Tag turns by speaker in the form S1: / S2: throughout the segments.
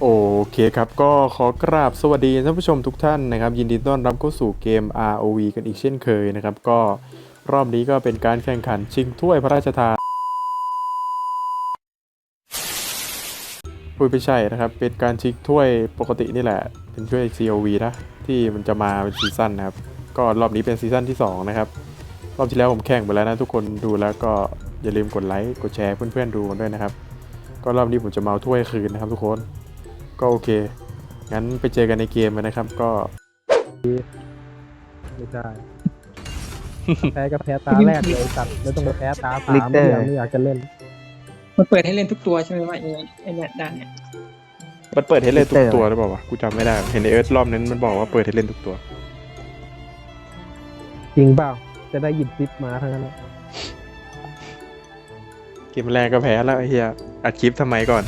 S1: โอเคครับก็ขอกราบสวัสดีท่านผู้ชมทุกท่านนะครับยินดีต้อนรับเข้าสู่เกม ROV กันอีกเช่นเคยนะครับก็รอบนี้ก็เป็นการแข่งขันชิงถ้วยพระราชทานไม่ใช่นะครับเป็นการชิงถ้วยปกตินี่แหละเป็นถ้วย COV นะที่มันจะมาเป็นซีซั่นนะครับก็รอบนี้เป็นซีซั่นที่2นะครับรอบที่แล้วผมแข่งไปแล้วนะทุกคนดูแล้วก็อย่าลืมกดไลค์กดแชร์เพื่อนๆดูกันด้วยนะครับก็รอบนี้ผมจะมาเอาถ้วยคืนนะครับทุกคนก็โอเคงั้นไปเจอกันในเกมนะครับก็
S2: ไม่ใช่ แพ้ก็แพ้ตาแรกเลยสัตว์ไม่ต้องมาแพ้ตาสาม
S3: Litter
S2: ไม่อยากจะเล่น
S4: มันเปิดให้เล่นทุกตัวใช่ไหมว่าไอ้เนี่ยด่านเนี่ย
S1: มันเปิดให้เล่นทุกตัวหรือเปล่าวะกูจำไม่ได้เห็นในเอิร์ธรอบนั้นมันบอกว่าเปิดให้เล่นทุกตัว
S2: จริงเปล่าจะได้หยิบซิปมาทั้งนั้นแหละ
S1: เกมแรกก็แพ้แล้วไอ้เหี้ยอัดคลิปทำไมก่อน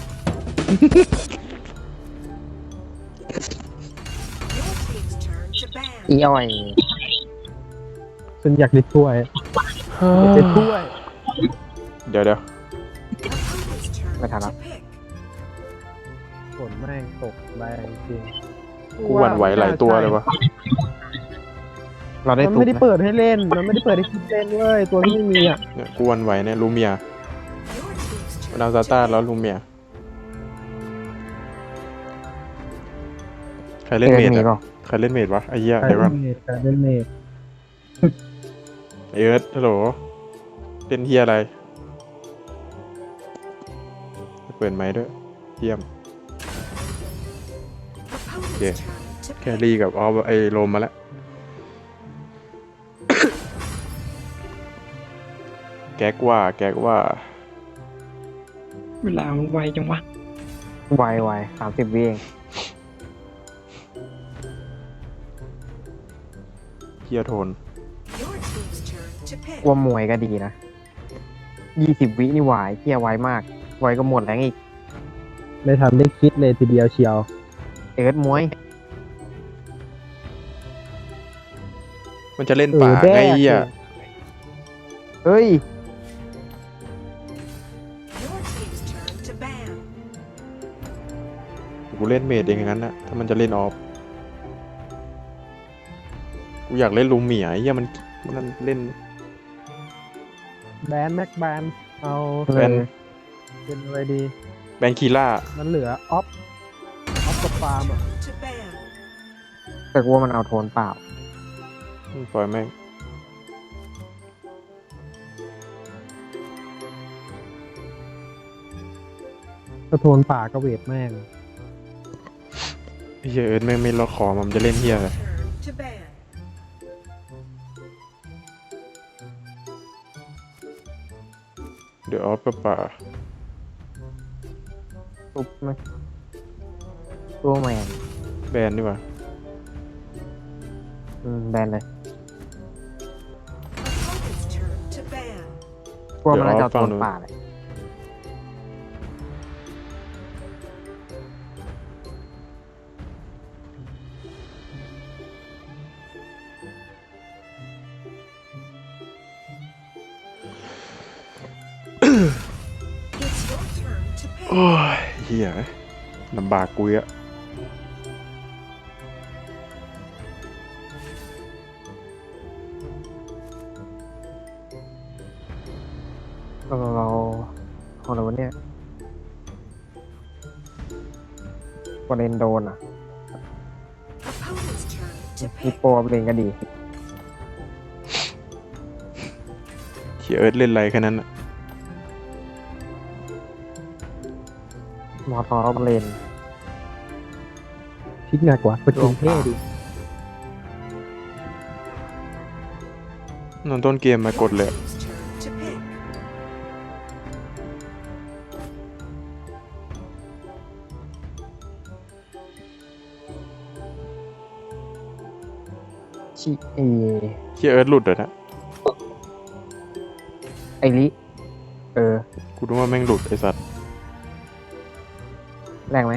S3: อีอ้อย
S2: ฉันอยากได้ถ้วยได้ถ้วย
S1: เดี๋ยว
S3: ไม่ทันแล้ว
S2: ฝนแม่งตกแรงจริง
S1: กูหวั่นไหวหลายตัวเลยวะ
S3: เราได้
S2: มัน
S3: ตุก
S2: ไม่ได้
S3: นะ
S2: เปิดให้เล่นมันไม่ได้เปิดให้คิดเล่นเว้ยตัวที่ไม่มีอ่ะ
S1: เนี่ยกูหวั่นไหวเนี่ยลูเมียดาวซาต้าแล้วลูเมียใครเล่นเมด
S3: มี
S1: อะ
S3: เปล่า
S1: ใครเล่นเมดวะไอ้เหี้ย
S2: ใคร
S1: เดี๋ยวก่
S2: เล่
S1: อน
S2: นเมดใครเล่นเมด
S1: ไอ้เอิร์ธฮัลโหลเล่นเหี้ยอะไรเปิดไมค์ด้วยเยี่ยมโอเคแครี่กับไอ้โรมมาแล้ว แก๊กว่า
S4: เวลามันไวจังวะ
S3: ไว30 วิเอง
S1: เฮียโทน
S3: ว่ามวยก็ดีนะ20 วินี่ไหวเที่ยไวมาก ไวก็หมดแรงอีก
S2: ไม่ทันได้คิดเลยทีเดียวเชียว
S3: เอิร์ธมวย
S1: มันจะเล่นป่าไงเฮีย
S3: เฮ้ย
S1: กูเล่นเมดเองอย่างนั้นนะถ้ามันจะเล่นออฟกูอยากเล่นลูเมียเฮียมันเล่น
S2: แบนแม็กแบนเอา
S1: แบน
S2: เป็นอะไรดี
S1: แบนคีล่า
S2: มันเหลือออฟกับฟาร์มอ่ะ
S3: แต่กูว่ามันเอาโทนเปล่า
S1: ปล่อยแม่ง
S2: กระโทนป่าก็เวทแม่ง
S1: เฮียเอิร์ธแม่งไม่ล็อกคอมันจะเล่นเฮียอะไรเดี๋ยวออฟกับป่า
S3: ตุกไหมตัวแมน
S1: แบนดีกว่า
S3: แบนเลยกลัวมันน่าจะเอาโทนป่าเลย
S1: โอ้ยเฮียลำบากกูอะ
S3: เราของเราเนี่ยกดเลนโดนอ่ะมีโปรเลนก็ดี
S1: เฮียเอิร์ธเล่นอะไรแค่นั้นอะ
S3: มอทอรอบเลน
S2: พลิกหนักกว่าประจุเท่ดิ
S1: นอนต้นเกมมากดเลย
S3: ชิเอ
S1: เฮียเอิร์ธหลุดเหรอนะ
S3: ไอริเออ
S1: กูรู้ว่าแม่งหลุดไอ้สัตว์
S3: แรงไหม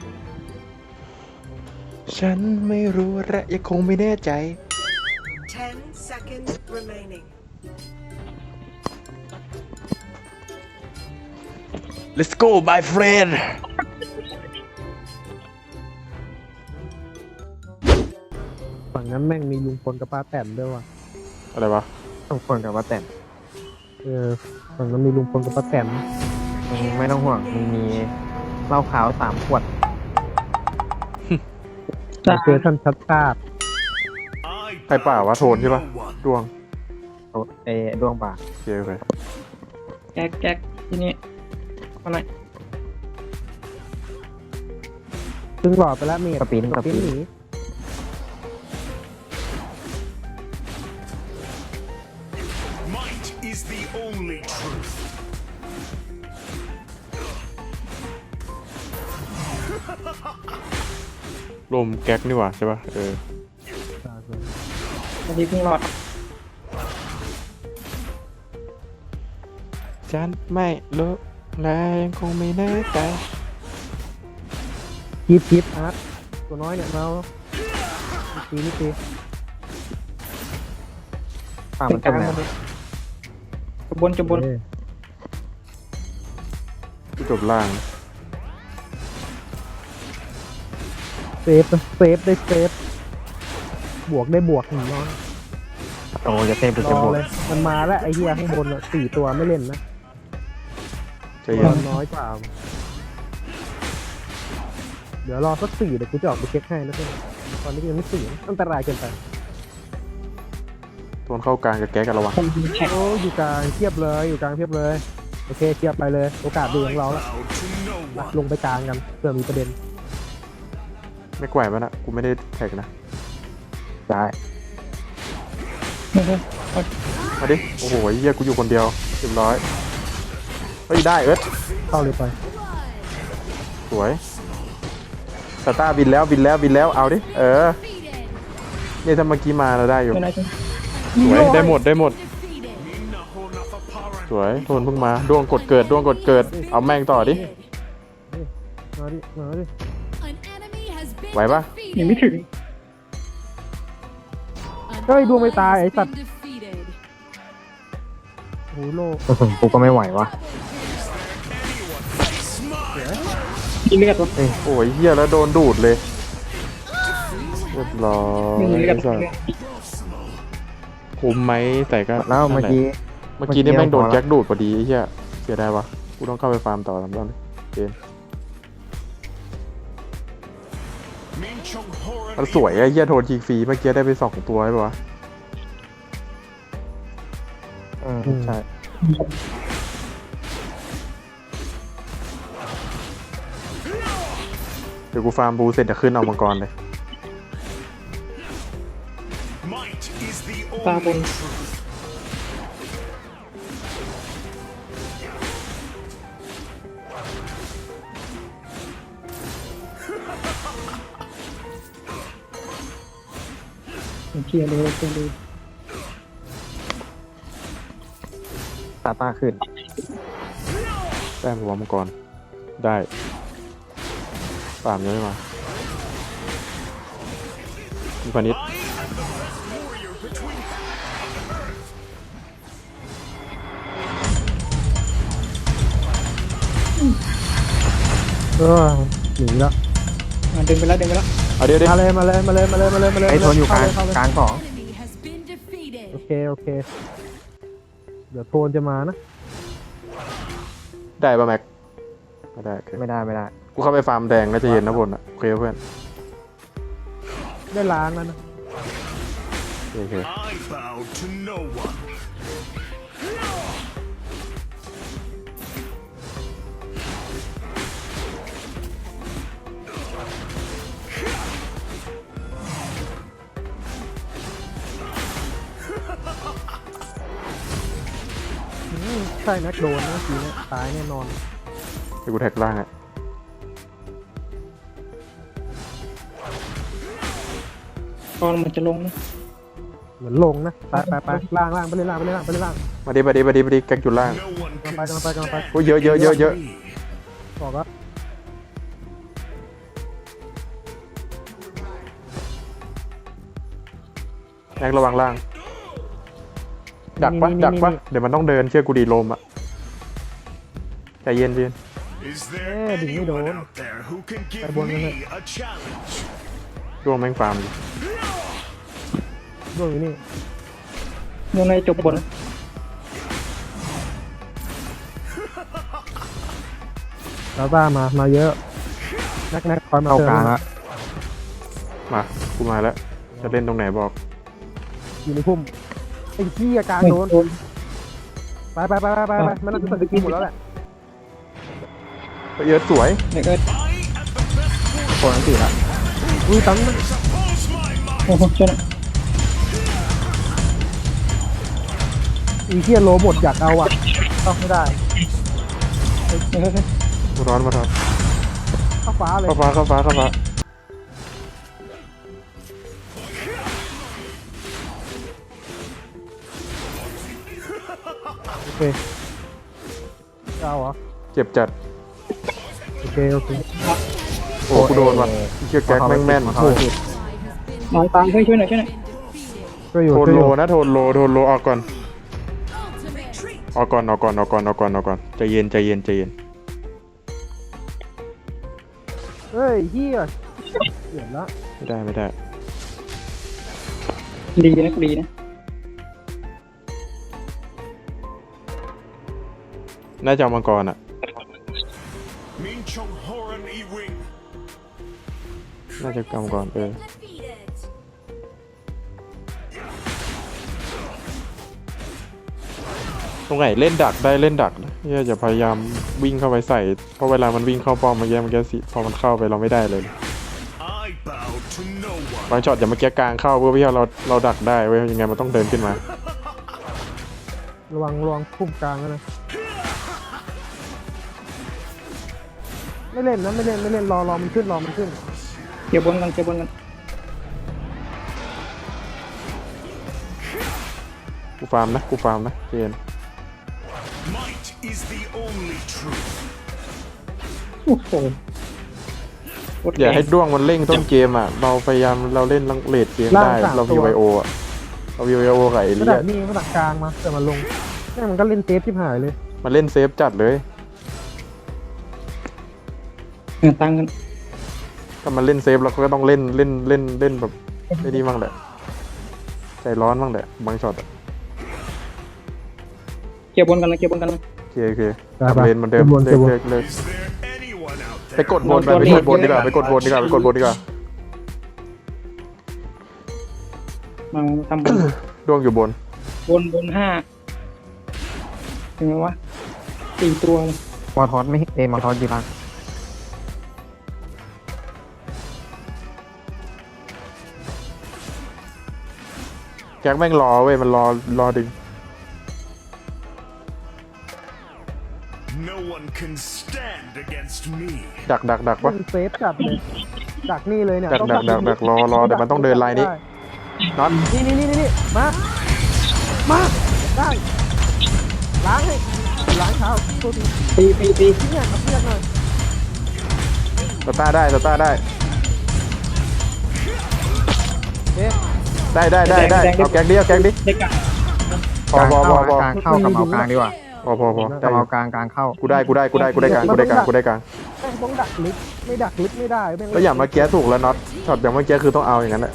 S1: ฉันไม่รู้และยังคงไม่แน่ใจ
S5: 10 10 seconds remaining.
S1: Let's go my friend
S2: ฝั่งนั้นแม่งมีลุงพลกับป้าแตนด้วยว่ะ
S1: อะไรวะ
S3: ต้องคนกับว่าแต่น
S2: ฝั่งนั้นมีลุงพลกับป้าแตน
S3: มึงไม่ต้องห่วงมึงมีเหล้าขาว3 ขวด
S2: เจอท่านชัดชาติ
S1: ใครป่าวะโทนใช่ปะดวง
S3: ดวงบา
S1: โอเคโอเค
S4: แก๊กทีนี้มาหน่อย
S2: ซึ่งหลอดไปแล้วเมด
S3: กระปิน
S2: หนี
S6: Might is the only truth.
S1: ลมแก๊กนี่หว่าใช่ปะ
S4: อันนี้เพิ่งรอด
S1: ฉันไม่รู้และยังคงไม่แน่ใจ
S2: ทิปอาร์ตตัวน้อยเนี่ยเรานี่ตี
S3: ป่ามัน
S4: ก
S3: จะ
S4: ลาง
S3: ไหน
S4: มาเลยจะบน
S1: ที่จบล่าง
S2: เซฟได้เซฟบวกได้บวกหนึ่งน้อย
S3: โอ้จะเต็มไป
S2: ร
S3: จะ
S2: อบ
S3: วก
S2: เลยมันมาแล้วไอ้เหี้ยข้างบน4 ตัวไม่เล่นนะ
S1: ใจ
S2: ตั
S1: เย็
S2: วน น้อยกว่าเดี๋ยวรอสัก4เดี๋ยวกูจะออกไปเช็คให้นะเพื่อนตอนนี้ยังไม่4อันตรายเกินไป
S1: โทนเข้ากลางกับแก๊กกันระวัง
S4: คนยิงแท็ก
S2: โอ้อยู่กลางเทียบเลยอยู่กลางเทียบเลยโอเคเทียบไปเลยโอกาสดีของเราแล้ว
S6: Bow to no
S2: มา
S6: one.
S2: ลงไปกลางกันเพื่อมีประเด็น
S1: ไม่แกว่งมันนะกูไม่ได้แท็กนะ
S3: ได้
S1: มาดิโอ้โหเฮียกูอยู่คนเดียวเรียบร้อยเฮ้ยได้เอิร์ธ
S2: เข้าเลยไป
S1: สวยสตาร์บินแล้วเอาดิเนี่ยถ้าเมื่อกี้มาเราได้อยู่
S4: ไม่น่าจะ
S1: สวยได้หมด
S6: Nahonatha
S1: สวยโทนเพิ่งมาดวงกดเกิดเอาแม่งต่อดิ
S2: มาดิ
S1: ไหวปะ
S4: ยังไม่ถึง
S2: เฮ้ยดวงไม่ตายไอ้สัตว์โอ้โหโล
S3: กูก็ไม่ไหววะ
S4: มีเลือดวะ
S1: โอ้ยเฮียแล้วโดนดูดเลยเรียบร้อย
S4: มีเลือด
S1: คุ้มไหมแต่ก็
S3: แล้วเมื่อกี้
S1: เมื่อกี้นี่แม่งโดน
S3: พอละ
S1: แจ็คดูดพอดีไอ้เฮียเสียดายวะกูต้องเข้าไปฟาร์มต่อทำตอนนี้เกม
S6: Min Chung Horan
S1: มันสวยไอ้เฮียโทนยิงฟรีเมื่อกี้ได้ไป2 ตัวใช่ปะวะ
S3: ใช่
S1: เดี๋ยวกูฟาร์มบูเสร็จจะขึ้นเอามังกรเลย
S6: Might is the
S4: ตาบน
S6: only truth.
S4: เคลียร์เลยเคลียร์เลย
S3: ตาขึ้น
S1: แต้มหัวมังกรได้ฟาร์มยังไม่มามีพานิช
S6: Warrior between
S2: หนีแล้ว
S4: เดินไปแล้ว
S1: เอาเดี๋ยว
S2: มาเลย
S3: ไอ้โทนอยู่กลาง
S2: เข้เลย
S3: กลางของ
S2: โอเคเดี๋ยวโทนจะมานะ
S1: ได้ป่ะแม็กไม่ได้โอเค
S3: ไม่ได้
S1: กูเข้าไปฟาร์มแดงแล้วจะเห็นนะบนอ่ะโอเคเพื่อน
S2: ได้ล้างแล้วนะ
S1: โอเค
S6: I bow to no one.
S2: ใช่นักโดนนะทีนี้ตายแน่นอน
S1: เดี๋ยวกูแท็กล่างอ่ะ
S4: ตอนมันจะลงนะ
S2: เหมือนลงนะไปล่างไปเลยล่าง
S1: มาดิแก๊กอยู่ล่าง
S6: No one
S2: กำ
S6: can
S2: ลังไป
S1: โอ้ยเยอะ
S2: บอกว่า
S1: แม็กระวังล่าง
S6: Go
S1: ดักปะ
S2: นี่
S1: ดักปะ
S2: นี่
S1: เดี๋ยวมันต้องเดินเชื่อกูดีลมอะใจเย็น
S6: Is there
S2: đừng có
S6: anyone
S2: đồn.
S6: out there who can give
S2: Phải buồn lên
S6: me
S2: đây.
S6: a challenge?
S1: ดวงแม่งฟาร์มอยู่
S2: ด้วยอยู่นี่
S4: ยังไงจบบน
S2: ลาต้ามาเยอะนักคอยมา
S3: เข้า
S2: เติ
S3: กลาง
S2: ม
S3: แล้ว
S1: มากูมาแล้วจะเล่นตรงไหนบอก
S2: อยู่ในพุ่มไอ้ขี้กลางโดนไปมันน่าจะสกิลหมดแล้วแหละ
S1: เยอะสวย
S4: เดี๋ยวก็
S3: โคนอันติละ
S2: อุ้ยตั้ง
S6: Oppose my might.
S4: โอ้โหช่วยหน่อย
S2: อีเขี้ยโลหมดอยากเอาอ่ะต้องไม่ได้
S4: เดี๋ยวก็
S1: มาร้อน
S2: เข้าฟ้าเลย
S1: เข้าฟ้า
S2: โอเคเอาเหรอ
S1: เจ็บจัด
S2: โอเค
S1: โอ้กูโดนว่ะเชี่ยแก๊กแม่งแม่น
S3: เข้าอันติ
S4: นอนตามช่วยหน่อย
S2: ก็อยู่
S1: โทน
S2: ก็อ
S1: โล
S2: ยู่
S1: นะโทนโลออกก่อนใจเย็น
S2: เฮ้ยเฮียเห็นละ
S1: ไม่ได้
S4: ดีนะดีนะ
S1: น่าจะเอามังกรอ่ะ
S6: Min Chung Horan E Wing.
S1: น่าจะเอามังกรตรงไหนเล่นดักได้เล่นดักนะอย่าพยายามวิ่งเข้าไปใส่เพราะเวลามันวิ่งเข้าป้อมเมื่อกี้สิพอมันเข้าไปเราไม่ได้เลย
S6: I bow to no one.
S1: บางช็อตอย่าเมื่อกี้กลางเข้าเพื่อที่เราดักได้เว้ยยังไงมันต้องเดินขึ้นมา
S2: ระวังพุ่มกลางนะไม่เล่นรอมันขึ้น
S4: เกี่ยวบนกัน
S1: กูฟาร์มนะเจน
S6: Might is the only truth.
S4: โอ้โห
S1: อย่าให้ด้วงมันเร่งต้นเกมอ่ะเราพยายามเราเล่นเลดเกมได้เรามีไวโออ่ะเรามีไวโอกับไอ้
S2: ก็
S1: เลี
S2: ดั
S1: ย
S2: กนี่ก็ดักกลางมาแต่มันลงแม่งมันก็เล่นเซฟชิบหายเลย
S1: มันเล่นเซฟจัดเลย
S4: ตั้งกัน
S1: ถ้ามันเล่นเซฟเราก็ต้องเล่นแบบไม่ดีมั่งแหละใจร้อนมั่งแหละบางช็อตอะ
S4: เกี่ยวบนกัน
S1: โอเค
S2: ได้ปะ
S1: ทำเลนเหมันเดิม
S2: เก็บบน
S1: เลิก
S6: Is there anyone out
S1: ไป
S6: there?
S1: กดบนไปกดบนดีกว่าไปกดบนดีกว่า
S4: มาทำบน
S1: ด้วงอยู่บน
S4: บน5ถึงไหมวะ4 ตัวเลย
S3: มอทอสไม่มอทอสยีรัง
S1: แจ็คแม่งรอเว้ยมันรอดึง
S6: No one can stand against me.
S1: ดักปะ
S2: เล่นเซฟจัดเลยดักนี่เลยเนี่ย
S1: ดัก
S2: ต้อง
S1: ดักรอเดี๋ยวมันต้องเดินไลน์นี้ น็อต
S2: นี่มาได้ล้างเท้าตัวที
S4: ตี
S2: เนี่ยเอาเพื่อนหน่อย
S1: สตาร์ได้
S2: เอ๊ะ
S1: ได้เอาแก๊กดิ
S4: เด็กอะ
S1: พอก
S3: ลาง
S1: พอ
S3: เข้ากลางเข้ากับเอากลางดีกว่า
S1: พอ
S3: กั
S1: ได้
S3: บเอากลางเข้า
S1: กูได้กลางกูได้กลาง
S2: แม่งต้องดักลึกไม่ดักลึกไม่ได้แม่ง
S1: ก็อย่างเมื่อกี้ถูกแล้วน็อตช็อตอย่างเมื่อกี้คือต้องเอาอย่างนั้นแหละ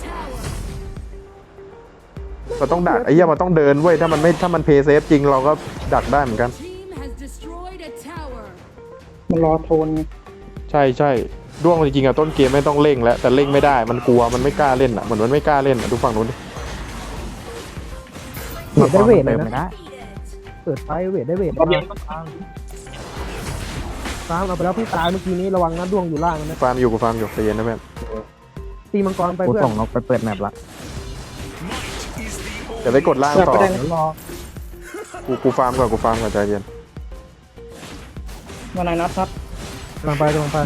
S1: เราต้องดักไอ้เหี้ยมันต้องเดินเว้ยถ้ามันเพย์เซฟจริงเราก็ดักได้เหมือนกัน
S5: Team has destroyed a tower.
S4: มันรอโทนไง
S1: ใช่ด้วงจริงๆอะต้นเกมไม่ต้องเร่งแล้วแต่เร่งไม่ได้มันกลัวมันไม่กล้าเล่นอะเหมือนมันไม่กล้าเล่นอะดูฝั่งนู้นดิ
S2: เวทได้เวทเลย
S3: ติมไม่
S2: นะ
S3: ได้
S2: เปิดไฟเวทได้เวท
S4: รอบเย็น
S2: ฟาร์มเอาไปแล้วพี่ตายเมื่อกี้นี้ระวังนะดวงอยู่ล่างนะ
S1: ฟาร์มอยู่ใจเย็นนะเพื่อน
S2: ตีมังกรไป
S3: กู
S2: เพื่อ
S3: ส่
S2: น
S3: งนกไปเปิดแมปละ
S6: Might is the
S1: เดี๋ยวไปกดล่างต่อ
S4: ก็ได้นะ
S2: รอ
S1: กูฟาร์มก่อนใจเย็น
S4: มานายนัดครับ
S2: กำลังไป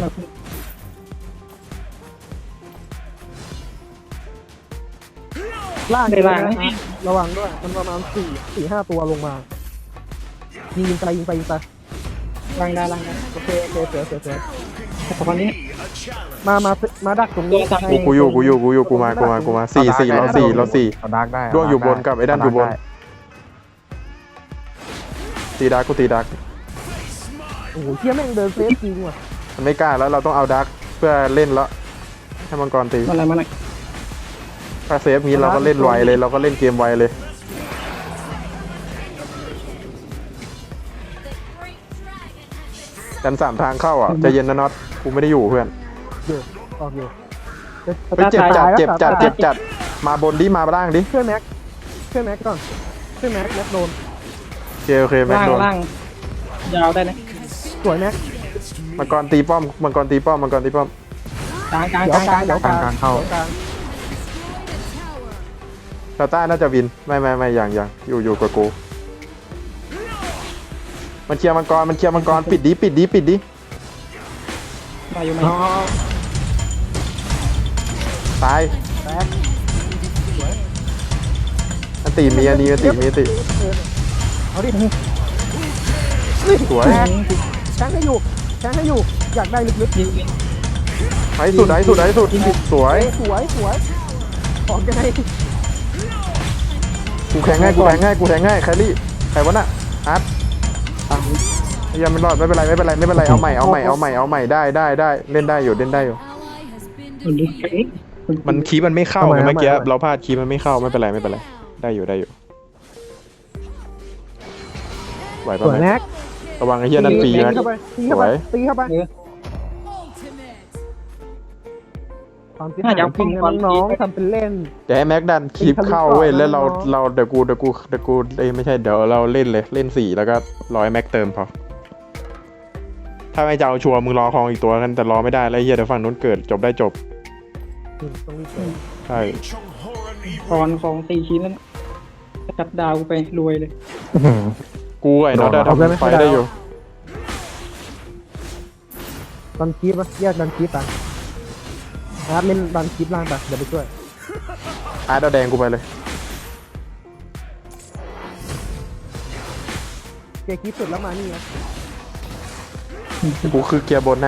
S2: ล่างระวังด้วยมันประมาณ4-5ตัวลงมายิงไป
S4: ล้างได้
S2: โอเคเสือ
S4: ขอคนนี้
S6: a challenge.
S2: มาดักตรงนี้
S1: กูอยู่กูมา4เรา
S3: เอาดาร์กได้
S1: ด้วงอยู่บนกับไอ้ด้านอยู่บน
S6: Might
S1: ตีดักกูตีดัก
S2: โอ้โหเที่ยแม่งเดินเซฟจริงว่ะ
S1: มันไม่กล้าแล้วเราต้องเอาดักเพื่อเล่นแล้วให้มังกรตี
S4: มาอะไรมาอะไร
S1: ถ้าเซฟนี้เราก็เล่นไวเลยเราก็เล่นเกมไวเลยกันสามทางเข้าอ่ะใจเย็นนะน็อตกูไม่ได้อยู่เพื่อน
S2: อยู่ออกอยู่
S1: เฮ้ยเจ็บจัดเจ็บจัดเจ็บจัดมาบนดิมาล่างดิ
S2: ช่วยแม็กก่อนช่วยแม็กโดน
S1: โอเคแม็ก
S4: ล่าง
S1: โดน
S4: ล่างยาวได้นะ
S2: สวยแม็ก
S1: มังกรตีป้อมมังกรตีป้อมมังกรตีป้อม
S4: กลางกลาง
S2: เดี๋
S4: ก
S2: ยว
S4: ลาง
S2: ก
S4: ก
S2: ลา
S4: ลาง ง
S2: เดี๋ยวกลาง
S3: เข้า
S2: กลาง
S5: Destroyed a tower.
S1: ซาต้าน่าจะวินไม่อย่างอยู่กับกูมันเคลียร์มังกรปิดดิ
S4: มาอยู่ไหม
S1: ตาย
S2: แม็ก
S1: อันตีมีอันนี้อันตีมีอันตี
S2: เอาดิ
S1: สวย
S2: แม็กแทงให้อยู่อยากได้ลึก
S4: ยิงยิง
S1: ไหนสุดสวย
S2: ๆสวยออกยังไง
S1: กูแทงง่ายแคลรี่ใครวะน่ะอาร์ตยังไม่รอดไม่เป็นไรเอาใหม่ได้เล่นได้อยู่
S5: Ally has been
S4: มันดู
S5: defeated.
S1: มันคีย์มันไม่เข้าไงเมื่อกี้เราพลาดคีย์มันไม่เข้าไม่เป็นไรได้อยู่ไหว
S2: ส
S1: ป่ะ
S2: วย
S1: แม็
S2: แม็
S1: ก
S2: ก
S1: ระวังไอ้เหี้ยนั่นฟรี
S2: ตี
S1: นะ
S2: เข้าไปตีเข้าไป
S5: Ultimate.
S2: ความคิดหายจริงนะน้องๆทำเป็นเล่น
S1: เดี๋ยวให้แม็กดันคีย์เข้าเว้ยแล้วเราเดี๋ยวกูไม่ใช่เดี๋ยวเราเล่นเลยเล่น4แล้วก็รอให้แม็กเติมพอถ้าไม่จะเอาชัวร์มึงรอคลองอีกตัวกันแต่รอไม่ได้แล้วไอ้เหี้ยเดี๋ยวฝั่งนู้นเกิดจบได้จบ
S2: ตรงนี้เกิด
S1: ใช่
S4: ตอนของตีชิ้นแล้วนะจัดดาวกูไปรวยเลย
S1: กูไอ้น็อตทำไฟได้อยู่
S2: ดันคีปะแยกดันคีปไปนะครับเล่นดันคีปล่างไปเดี๋ยวไปช่วย
S1: อาร์ตเอาแดงกูไปเลย
S2: เกียร์คีปสุดแล้วมานี่นะ
S1: กูคือเกียร์บนนะ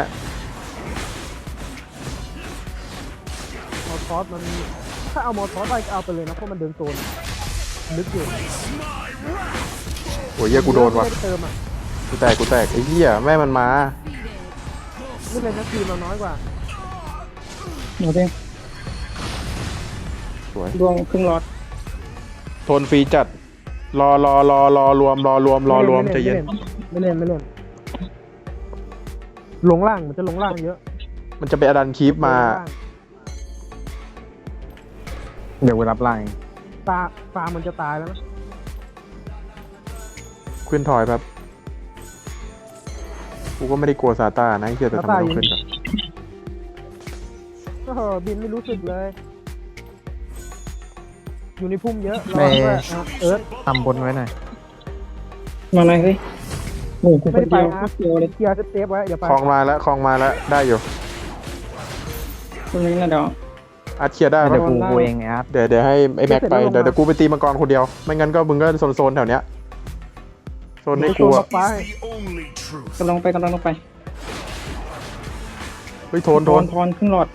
S2: มอทอสมันถ้าเอามอทอสไปก็เอาไปเลยนะเพราะมันเดินโซนลึกอยู่
S1: โอ้ยเหี้ยกูโดนว่ะ
S2: ไม่ได้เติมอ่ะ
S1: กูแตกไอ้เหี้ยแม่มันมา
S2: นี่เลยนะทีมเราน้อยกว่า
S4: เดี๋ยวเพ่ง
S1: สวย
S4: ดวงครึ่งหลอด
S1: ทนฟรีจัดรอรวมใจเย็น
S2: ไม่เล่นลงล่างมันจะลงล่างเยอะ
S1: มันจะไปอดันคีปมา
S2: ลงล่าง
S3: เดี๋ยวกูรับไลน์
S2: ฟามันจะตายแล้วนะ
S1: ขึ้นถอยครับกูก็ไม่ได้กลัวซาต้านะไอ้เหี้ยแต่ทำไมต้องขึ้นก่อน
S2: ก็บินไม่รู้สึกเลย อยู่ในพุ่มเยอะรอด้วยเอิร์ธ
S3: ทำบนไว้หน่อย
S4: มาเลยเฮ้ยโอ้โห
S2: ไม่
S4: คน
S2: ได้ไป
S4: เดียว
S2: นะ
S4: โคตรเดียวเลย
S2: เคลียร์เซฟไว้อย่าไป
S1: คลองมาแล้วได้อยู่
S4: ตรงนี้นะเดี๋ยว
S1: อาร์ตเคลียร์ได้
S3: เดี๋ยว
S1: ปะ
S3: กูเองไอ้อาร์ต
S1: เดี๋ยวให้ไอ้แม็กไปเดี๋ยวกูไปตีมังกรคนเดียวไม่งั้นก็มึงก็โซนแถวเนี้ยโซนในกูอะ
S2: ไป
S6: The only truth.
S4: กำลังลงไป
S1: เฮ้ยโทน
S4: ทอนครึ่งหลอด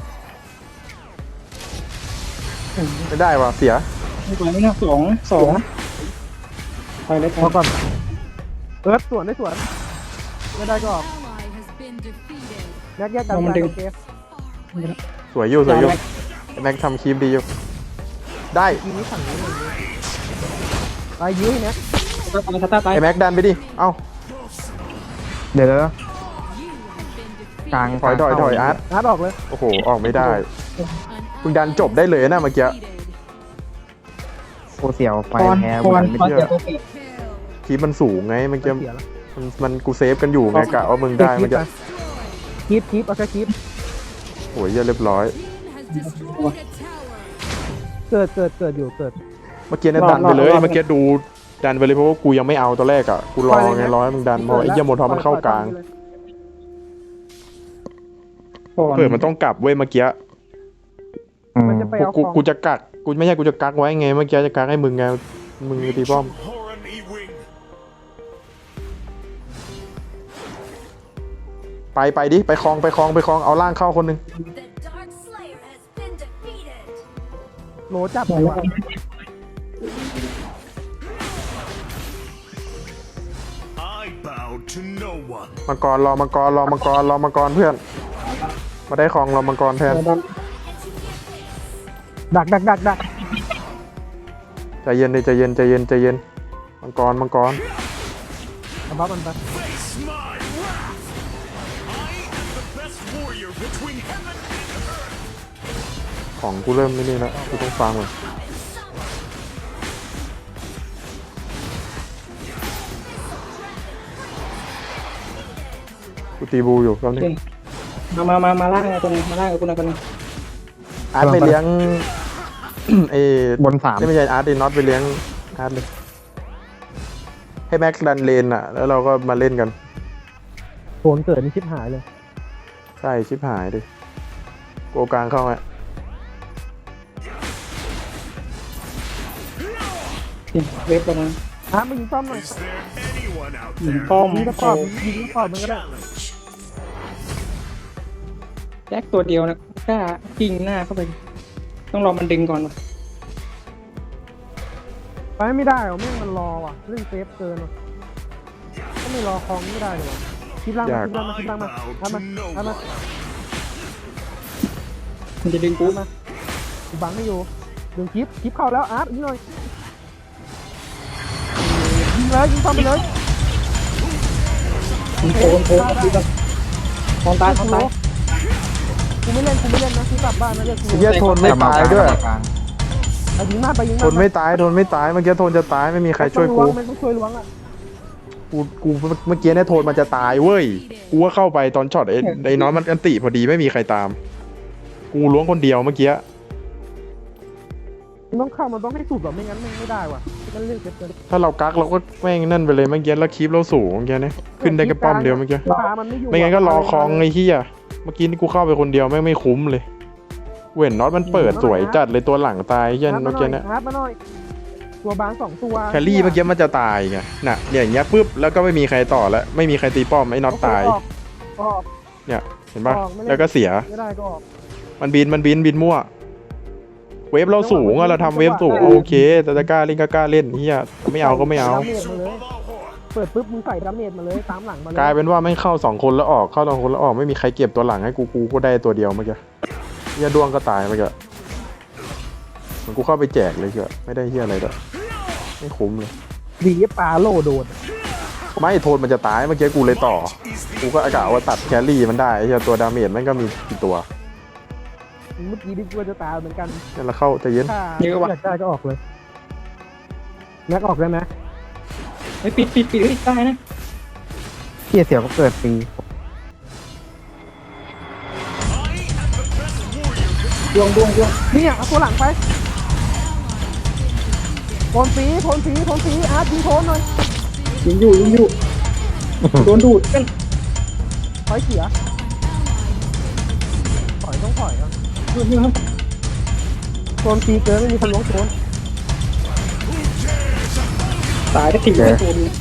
S1: ไม่ได้ว่ะเสีย
S4: ไม่ไหวไม่น่าสองไปเลยค
S2: พ
S4: รั
S2: อบ ก่อนเอิร์ธสวนไม่ได้ก็ออก
S5: Ally has been defeated.
S2: แยกกันไปโอเค
S1: สวยอยู่ไอ้แม็กทำคีปดีอยู่ได้
S2: ทีนี้ฝั่งนี้มันไปยื้อให้แน็ก
S4: ตาตาย
S1: ไอ้แม็กดันไปดิเอ้า
S3: เดี๋ยว
S5: You have been
S3: กลาง
S5: defeated.
S1: ถอยอาร์ต
S2: นัดออกเลย
S1: โอ้โหออกไม่ได้
S5: An
S1: มึงดันจบได้เลยนะเมื่อกี้
S5: defeated.
S3: กูเสียวไฟ
S4: ทอน
S3: แพ้
S4: ทอน
S3: ไม่
S4: ทอน
S3: เชื่
S4: เดี๋
S3: อ
S4: ยวตัวเอง
S5: Kill.
S1: คีปมันสูงไงเมื่อกี้
S2: เสียแล้ว
S1: มันกูเซฟกันอยู่ไงกะว่ามึงได้เมื่อกี้
S2: คีปเอาแค่คีป
S1: โอ้ยเหี้ยเรียบร้อย
S5: Team has destroyed a tower.
S2: เกิดอยู่
S1: เมื่อกี้เนี่ยดันไปเลยเมื่อกี้ดูดันไปเลยเพราะว่ากูยังไม่เอาตอนแรกอ่ะกูรอไงรอให้มึงดันเพราะไอ้เหี้ยโมทอมันเข้ากลาง
S4: ก่อน
S1: เผื่อมันต้องกลับเว้ยเมื่อกี้
S2: มันจะไปเอา
S1: กูจะกักกูไม่ใช่กูจะกักไว้ไงเมื่อกี้จะกักให้มึงไงมึงตีป้อม
S6: Horan Ewing.
S1: ไปดิไปคลองเอาล่างเข้าคนหนึง
S5: The Dark Slayer has been defeated.
S2: โลจับเลยว่ะ
S6: to no one.
S1: มังกรรอมังกรรอมังกรรอมังกรเพื่อน มาได้ของรอมังกรแทน
S2: ดัก
S1: ใจเย็นดิใจเย็นใจเย็นใจเย็นมังกรมังกร
S2: เอาบัฟมันไป
S6: Face my wrath. I am the best warrior between heaven and earth.
S1: ของกูเริ่มไม่นี่แล้วกูต้องฟังเลยกูตีบูอยู่แป๊บนึง
S4: มาล่างไงตัวนึงมาล่างกับกูหน่อยตัวนึง
S1: อาร์ตไปเลี้ยง เอบ
S3: นสาม
S1: นี่ไม่ใช่อาร์ตไอ้น็อตไปเลี้ยงอาร์ตเลย ให้แม็กดันเลนอ่ะ แล้วเราก็มาเล่นกัน
S2: โผลเกิดนี่ชิบหายเลย
S1: ใช่ชิบหายดิโกกลางเข้าไหม
S4: เวฟตัวนั้น
S2: มายิงป้อมหน่อย
S6: Is there anyone out
S4: ยิง
S6: there?
S4: ป้อม
S2: ยิงกระปอบยิงกระปอบมันก็ได้
S6: Challenge.
S4: แจ็คตัวเดียวนะกล้ายิงหน้าเข้าไป ต้องรอมันดึงก่อนวะ
S2: ไปไม่ได้หรอแม่งมันรอว่ะเรื่องเซฟเกินว่ะก็ไม่รอคลองไม่ได้เลยวะคลิปล่างมาคลิปล่างมาคลิปล่างมาทำมาทำมา
S4: มันจะดึงกูมา
S2: กูบังไม่อยู่ดึงคลิปเข้าแล้วอาร์ตยิงหน่อยยิงเลยยิงเข้าไปเลย
S4: มันโผล่ดูกันมองตาย
S2: กูไม่เล่นนะกูกลับบ้านนะเรียกกู
S1: ไอ้เหี้ยทนไม่ตายด้วย
S2: ไปยิงมากไปยิง
S1: ท
S2: มาก
S1: นไม่ตายทนไม่ตายเมื่อกี้ทนจะตายไม่มีใครช่วยกู
S2: มันต้องช่วยล้วงอ่ะ
S1: กูเมื่อกี้เนี่ยโทนมันจะตายเว้ย กูก็เข้าไปตอนช็อตไอ้น้อยมันอันติพอดีไม่มีใครตาม กูล้วงคนเดียวเมื่อกี้
S2: มันต้องเข้ามันต้องให้สุดหรอไม่งั้นมันไม่ได้ว่ะมันเรื่องเกิน
S1: ถ้าเรากักเราก็แม่งนั่นไปเลยเมื่อกี้แล้วคลิปเราสูงเมื่อกี้เนี่ยขึ้นได้แค่ป้อมเดียวเมื่อกี้
S2: ขามันไม่อยู่
S1: ไม่งั้นก็รอคลองไอ้เหี้ยเมื่อกี้นี่กูเข้าไปคนเดียวแม่งไม่คุ้มเลยเว้นน็อตมันเปิดสวยจัดเลยตัวหลังตายเหี้ยันเมื่อกี้เนี่ย
S2: ฮาร์ดมาหน่อยตัวบาง2ตัว
S1: แครี่เมื่อกี้มันจะตายไงน่ะเนี่ยอย่างเงี้ยปุ๊บแล้วก็ไม่มีใครต่อแล้วไม่มีใครตีป้อมไอ้น็อตตาย
S2: ออก
S1: เนี่ยเห็นปะ
S2: ออกไม่เล่น
S1: แล้วก็เสีย
S2: ไม่ได้ก็ออก
S1: มันบินมั่ว เวฟเราสูงอะเราทำเวฟสูงโอเค แต่จะกล้าเล่นก็กล้าเล่นเฮียไม่เอาก็ไม่เอา
S2: ดาเมจมาเลยเปิดปุ๊บมึงใส่ดาเมจมาเลยตามหลังมาเลย
S1: กลายเป็นว่าไม่เข้า2คนแล้วออกเข้า2คนแล้วออกไม่มีใครเก็บตัวหลังให้กูก็ได้ตัวเดียวเมื่อกี้เฮียดวงก็ตายเมื่อกี้เหมือนกูเข้าไปแจกเลยเชียวไม่ได้เฮียอะไรด้วยไม่คุ้มเลย
S2: ดีปลาโลโดน
S1: ไม่โทนมันจะตายเมื่อกี้กูเลยต่อ กูก็อากาศว่าตัดแครี่มันได้เฮียตัวดาเมจมันก็มีกี่ตัว
S2: เมื่อกี้ดิกูจะตายเหมือนกัน
S1: นั่นแหละเข้าใจเย็น
S2: ถ้าอยากได้ก็ออกเลยแม็กออกได้ไหม
S4: เฮ้ยปิดได้นะ
S3: เที่ยเสียวก็เกิดปี
S4: ดวง
S2: เนี่ยเอาตัวหลังไปโทนสีอาร์ตยิงโทนหน่อย
S4: ยิงอยู่โดนดูดกัน
S2: ถอยเสียถอยต้องถอยอ่ะ
S4: ยิงครับ
S2: โทนสีเกินไม่มีคนล้วงโทน
S4: ตายก็ทิ้งไปตัวนึง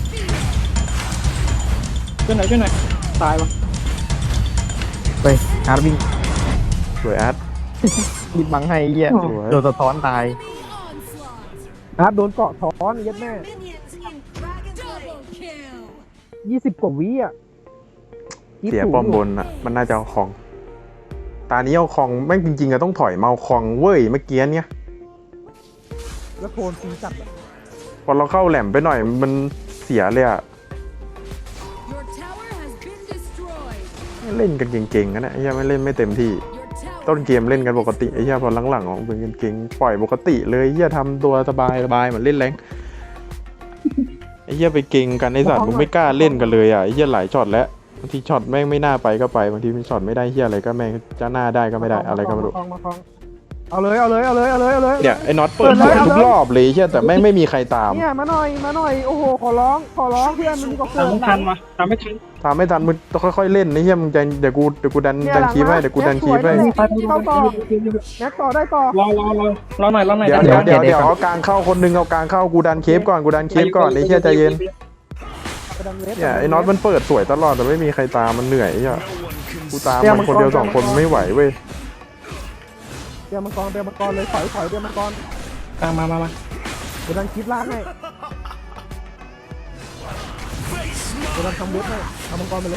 S4: ช่วยหน่อยตายวะ
S3: ไปฮาร์ดวิ่ง
S1: สวยอาร์ต
S3: บิดบังให้ไอ้เหี้ย
S1: สวย
S3: โดนสะท้อนตาย
S5: Onslaught.
S2: อาร์ตโดนเกาะท้อนยัดแม่
S5: Minions in Dragon's Double kill.
S2: 20 กว่าวิอ่ะ
S1: เสียป้อมบนอ่ะมันน่าจะเอาของตานี้เอาของแม่งจริงๆอะต้องถอยมาเอาของเว้ยเมื่อกี้เนี่ย
S2: แล้วโทนสีจัดอ่ะ
S1: พอเราเข้าแหลมไปหน่อยมันเสียเลยอ่ะ
S5: Your tower has been destroyed.
S1: เล่นกันเก่งๆกันนะไอ้เหี้ยไม่เล่นไม่เต็มที่
S5: Your
S1: ต้น
S5: tower
S1: เกมเล่นกันปกติไอ้เหี้ยพอหลังๆออกเป็นเก่งๆปล่อยปกติเลยไอ้เหี้ยทำตัวสบายเหมือนเล่นแรงไอ้เหี้ยไปเก่งกันไอ้สัตว์มึงไม่กล้าเล่นกันเลยอ่ะไอ้เหี้ยหลายช็อตแล้วบางทีช็อตแม่งไม่น่าไปก็ไปบางทีช็อตไม่ได้เหี้ยอะไรก็แม่งจะหน้าได้ก็ไม่ได้อะไรก็ไม่รู้
S2: มาคลองเอาเลย
S1: เนี่ยไอ้น็อตเปิดสวยทุกรอบเลยเหี้ยแต่แม่งไม่มีใครตาม
S2: เนี่ยมาหน่อยโอ้โหขอร้องเพื่อนมันมีกระโปร
S4: ตาม
S2: ง
S4: ไม่ทันวะตามไม่ทัน
S1: ทำไม่ทันมึงต้องค่อยๆเล่นไอ้เหี้ยมึงใจเดี๋ยวกูดันคีบให้เดี๋ยวกูดันคีบให้
S2: เข้าต่อแม็กต่อได้ต่อ
S4: รอหน่อย
S1: เดี๋ยวเอากลางเข้าคนนึงเอากลางเข้ากูดันเคฟก่อนไอ้เหี้ยใจเย็นเนี่ยไอ้น็อตมันเปิดสวยตลอดแต่ไม่มีใครตามมันเหนื่อยไอ้เหี้ย
S6: No one can
S1: กูตามมันคนเดียว2 คนไม่ไหวเว้ย
S2: เดี๋ยวมังกรเลยถอยเดี๋ยวมังกร
S4: กลางมา
S2: เดี๋ยวดันคลิปล่างให้
S6: face
S2: เดี๋ยวเราทำเว็บให้เอามังกรไปเลย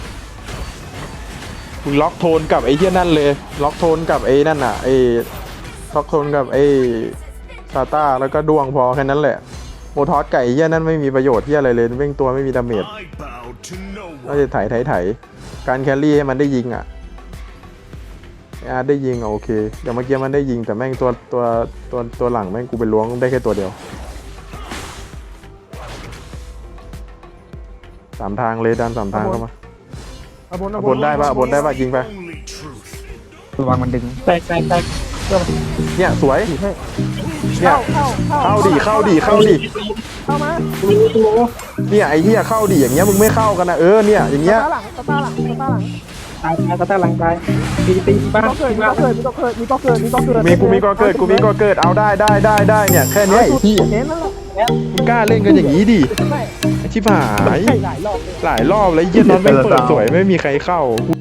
S1: มึงล็อกโทนกับไอ้เหี้ยนั่นเลย ล็อกโทนกับไอ้นั่นอ่ะไอ้ล็อกโทนกับไอ้ซาต้าแล้วก็ดวงพอแค่นั้นแหละโมทอสไก่เหี้ยนั่นไม่มีประโยชน์เหี้ยอะไรเลยเว้งตัวไม่มีดาเมจ
S6: I bow to no
S1: ก็
S6: one.
S1: จะไถการแครี่ให้มันได้ยิงอ่ะไอ้อาร์ตได้ยิงอ่ะโอเคอย่างเมื่อกี้มันได้ยิงแต่แม่งตัวหลังแม่งกูไปล้วงได้แค่ตัวเดียวสามทางเลยดันสามทางเข้ามา
S2: เอาบน
S1: เอาบนได้ปะเอาบนได้ปะยิงไป
S6: Only truth.
S3: ระวังมันดึง
S4: แตก
S1: เนี่ยสวย
S2: ให้
S1: เนี่ย เข้าดิเข้า
S2: เข้ามา
S1: เนี่ยไอ้เหี้ยเข้าดิอย่างเงี้ยมึงไม่เข้ากันนะเนี่ยอย่างเงี้ย
S2: ตาหลังตาหลังตาหลัง
S4: ตายตายหลังตายตีบ้าน
S2: ก็เกิดมีก็เกิดมีก็เกิดมีก็เกิดมีก็เกิด
S1: กูมีก็เกิดเอาได้เนี่ยแค่เนี้ยไอ้ที่
S2: เน้นนั่นแหละ
S1: มึงกล้าเล่นกันอย่างนี้ดิ
S2: ใช่
S1: ไอ้ชิบหาย
S2: ใช่หลายรอบเลย
S1: หลายรอบแล้วเหี้ยนอนไม่เปิดสวยไม่มีใครเข้ากู